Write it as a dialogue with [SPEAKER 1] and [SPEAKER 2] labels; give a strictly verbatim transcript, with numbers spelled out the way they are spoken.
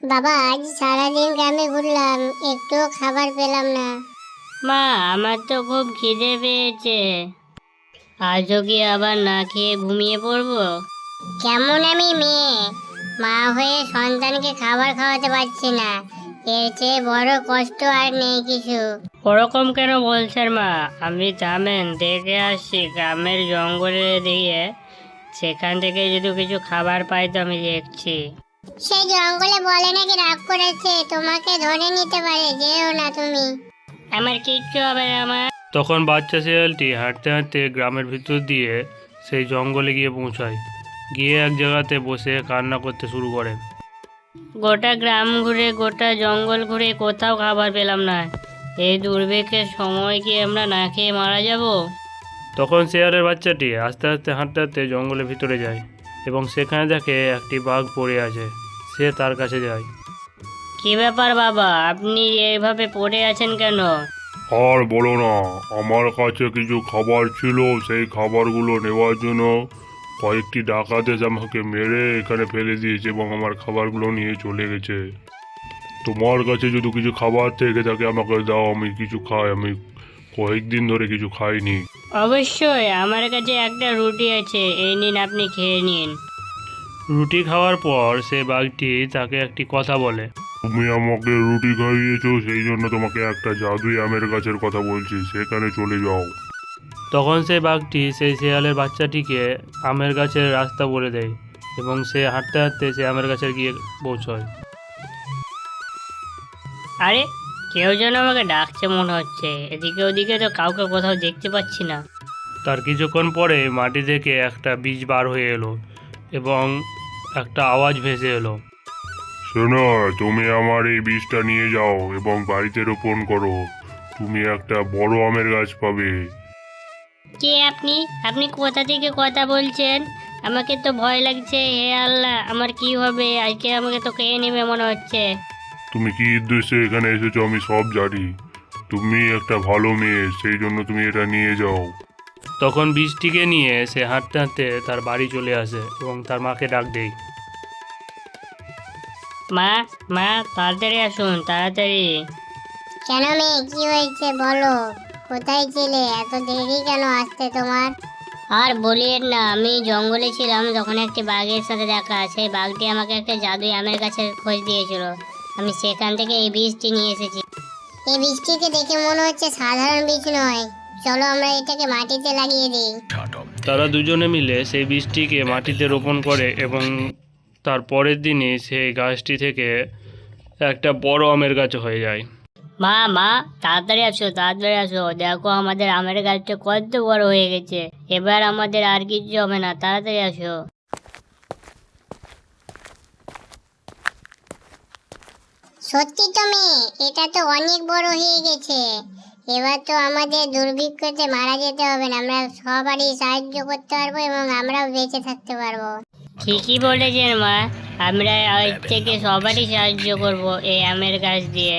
[SPEAKER 1] বাবা, আজ সারাদিন গ্রামে ঘুরলাম, একটু খাবার পেলাম না।
[SPEAKER 2] মা, আমার তো খুব খিদে পেয়েছে। আজও কি আবার না খেয়ে ঘুমিয়ে পড়বো?
[SPEAKER 1] কেমন আমি মেয়ে, মা হয়ে সন্তানকে খাবার খাওয়াতে পারছি না, এর চেয়ে বড় কষ্ট আর নেই কিছু।
[SPEAKER 2] ওরকম কেন বলছেন মা? আমি জানেন দেখে আসছি গ্রামের জঙ্গলে দিয়ে, সেখান থেকে যদি কিছু খাবার পাই তো আমি দেখছি।
[SPEAKER 1] সেই জঙ্গলে বলে নাকি রাগ করেছে, তোমাকে ধরে নিতে পারে, যেও না তুমি।
[SPEAKER 2] আমার কিচ্ছু হবে না মা।
[SPEAKER 3] তখন বাচ্চা শেয়ালটি হাঁটতে হাঁটতে গ্রামের ভিতর দিয়ে সেই জঙ্গলে গিয়ে পৌঁছায়। গিয়ে এক জায়গাতে বসে কান্না করতে শুরু করে।
[SPEAKER 2] গোটা গ্রাম ঘুরে গোটা জঙ্গল ঘুরে কোথাও খাবার পেলাম না। এই দুর্ভিক্ষের সময় কি আমরা না খেয়ে মারা যাব?
[SPEAKER 3] তখন শেয়ালের বাচ্চাটি আস্তে আস্তে হাঁটতে হাঁটতে জঙ্গলের ভিতরে যায় এবং সেখানে দেখে একটি বাঘ পড়ে আছে। সে তার কাছে যায়।
[SPEAKER 2] কি ব্যাপার বাবা, আপনি এইভাবে পড়ে আছেন কেন?
[SPEAKER 4] আর বলো না, আমার কাছে কিছু খাবার ছিল, সেই খাবারগুলো নেওয়ার জন্য কয়েকটি ডাকাত এসে আমাকে মেরে এখানে ফেলে দিয়েছে এবং আমার খাবারগুলো নিয়ে চলে গেছে। তোমার কাছে যদি কিছু খাবার থেকে থাকে আমাকে দাও, আমি কিছু খাই। আমি কয়েকদিন ধরে কিছু খাইনি।
[SPEAKER 2] অবশ্যই, আমার কাছে একটা রুটি আছে, এই নিন, আপনি খেয়ে নিন।
[SPEAKER 3] রুটি খাওয়ার পর সে বাঘটি তাকে একটি কথা বলে।
[SPEAKER 4] তুমি আমাকে রুটি খাইয়েছো, সেই জন্য তোমাকে একটা জাদুই আমের গাছের কথা বলছি, সেখানে চলে যাও।
[SPEAKER 3] তখন সেই বাঘটি সেই শেয়ালের বাচ্চাটিকে আমের গাছের রাস্তা বলে দেয় এবং সে হাঁটতে হাঁটতে সে আমের গাছে গিয়ে পৌঁছয়।
[SPEAKER 2] আরে, কেউ যেন আমাকে ডাকছে মনে হচ্ছে। এদিকে ওদিকে তো কাউকে কোথাও দেখতে পাচ্ছি না।
[SPEAKER 3] তার কিছুক্ষণ পরে মাটি থেকে একটা বীজ বার হয়ে এলো এবং একটা আওয়াজ ভেসে এলো।
[SPEAKER 4] শোনো, তুমি আমার এই বীজটা নিয়ে যাও এবং বাড়িতে রোপণ করো। তুমি একটা বড় আমের গাছ পাবে।
[SPEAKER 2] কে আপনি? আপনি কোথা থেকে কথা বলছেন? আমাকে তো ভয় লাগছে। হে আল্লাহ, আমার কি হবে? আজকে আমাকে তো খেয়ে নেবে মনে হচ্ছে।
[SPEAKER 4] তুমি কি উদ্দেশ্যে এখানে এসেছো আমি সব জানি। তুমি একটা ভালো মেয়ে, সেই জন্য তুমি এটা নিয়ে যাও।
[SPEAKER 3] তখন বীজটিকে নিয়ে সে হাঁটতে হাঁটতে তার বাড়ি চলে আসে এবং তার মাকে ডাক দেয়।
[SPEAKER 2] মা, মা, তাড়াতাড়ি আসুন, তাড়াতাড়ি।
[SPEAKER 1] কেন মেয়ে, কি হয়েছে বলো? কোথায় ছিলে? এত দেরি কেন আসতে তোমার?
[SPEAKER 2] আর বলিয়েন না, আমি জঙ্গলে ছিলাম, তখন একটি বাঘের সাথে দেখা। সেই বাঘটি আমাকে একটা জাদুই আমের গাছের খোঁজ দিয়েছিল। আমি সেখান থেকে এই বীজটি নিয়ে এসেছি।
[SPEAKER 1] এই বীজটিকে দেখে মনে হচ্ছে সাধারণ বীজ নয়, চলো আমরা এটাকে মাটিতে লাগিয়ে দিই।
[SPEAKER 3] তারা দুজনে মিলে সেই বীজটিকে মাটিতে রোপণ করে এবং তার পরের দিনই সেই গাছটি থেকে একটা বড় আমের গাছ হয়ে যায়।
[SPEAKER 2] মা, মা, তাড়াতাড়ি আসো, তাড়াতাড়ি আসো, দেখো আমাদের আমের গাছটা কত বড় হয়ে গেছে। এবার আমাদের আর কিছু হবে না, তাড়াতাড়ি আসো।
[SPEAKER 1] সত্যি তো মেয়ে, এটা তো অনেক বড় হয়ে গেছে। এবার তো আমাদের দুর্ভিক্ষতে মারা যেতে হবে না, আমরা সবারই সাহায্য করতে পারবো এবং আমরাও বেঁচে থাকতে পারবো।
[SPEAKER 2] ঠিকই বলেছেন মা, আমরা আজ থেকে সবারই সাহায্য করব এই আমের গাছ দিয়ে।